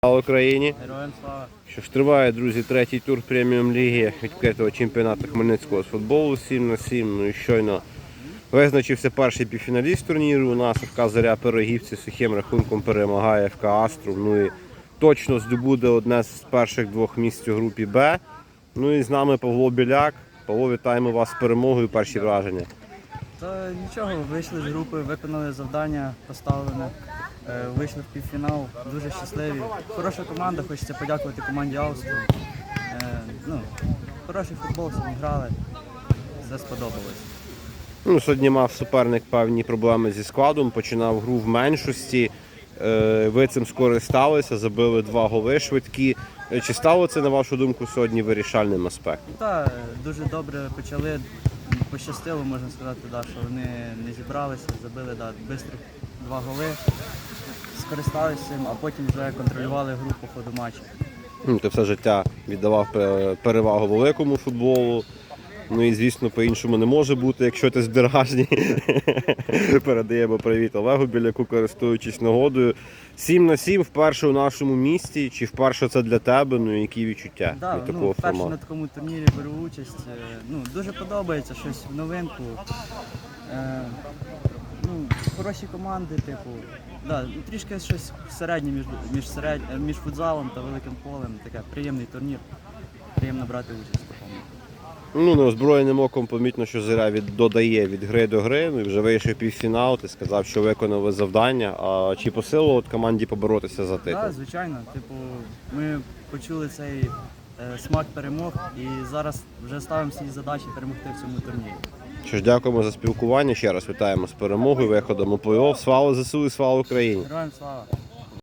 Слава Україні! Героям слава! Що ж, триває, друзі, третій тур преміум-ліги відкритого чемпіонату Хмельницького з футболу 7/7. Ну і щойно визначився перший півфіналіст турніру. У нас ФК «Зоря» Пирогівці з сухим рахунком перемагає ФК «Астру». Ну і точно здобуде одне з перших двох місць у групі Б. Ну і з нами Павло Біляк. Павло, вітаємо вас з перемогою, перші враження. Та нічого, вийшли з групи, виконали завдання поставлене, вийшли в півфінал, дуже щасливі. Хороша команда, хочеться подякувати команді Австрії. Хороший футбол, сьогодні грали, все сподобалось. Ну, сьогодні мав суперник певні проблеми зі складом, починав гру в меншості. Ви цим скористалися, забили 2 голи швидкі. Чи стало це, на вашу думку, сьогодні вирішальним аспектом? Так, дуже добре почали, пощастило, можна сказати, що вони не зібралися, забили швидко 2 голи, скористалися цим, а потім вже контролювали гру по ходу матчу. Ти все життя віддавав перевагу великому футболу. Ну і, звісно, по-іншому не може бути, якщо ти з Дергажні. Передаємо привіт Олегу Біляку, користуючись нагодою. 7/7 вперше у нашому місті. Чи вперше це для тебе? Ну, які відчуття від такого вперше формату? на такому турнірі беру участь. Дуже подобається, щось в новинку. Хороші команди, трішки щось середнє між футзалом та великим полем. Таке приємний турнір. Приємно брати участь в такому. Ну, неозброєним оком помітно, що «Зоря» додає від гри до гри. Ну, і вже вийшов півфінал, ти сказав, що виконали завдання. А чи по силу команді поборотися за титул? Так, звичайно. Ми почули цей смак перемог і зараз вже ставимо свої задачі перемогти в цьому турнірі. Що ж, дякуємо за спілкування. Ще раз вітаємо з перемогою, виходом у плей-офф. Слава ЗСУ і слава Україні! Героям слава!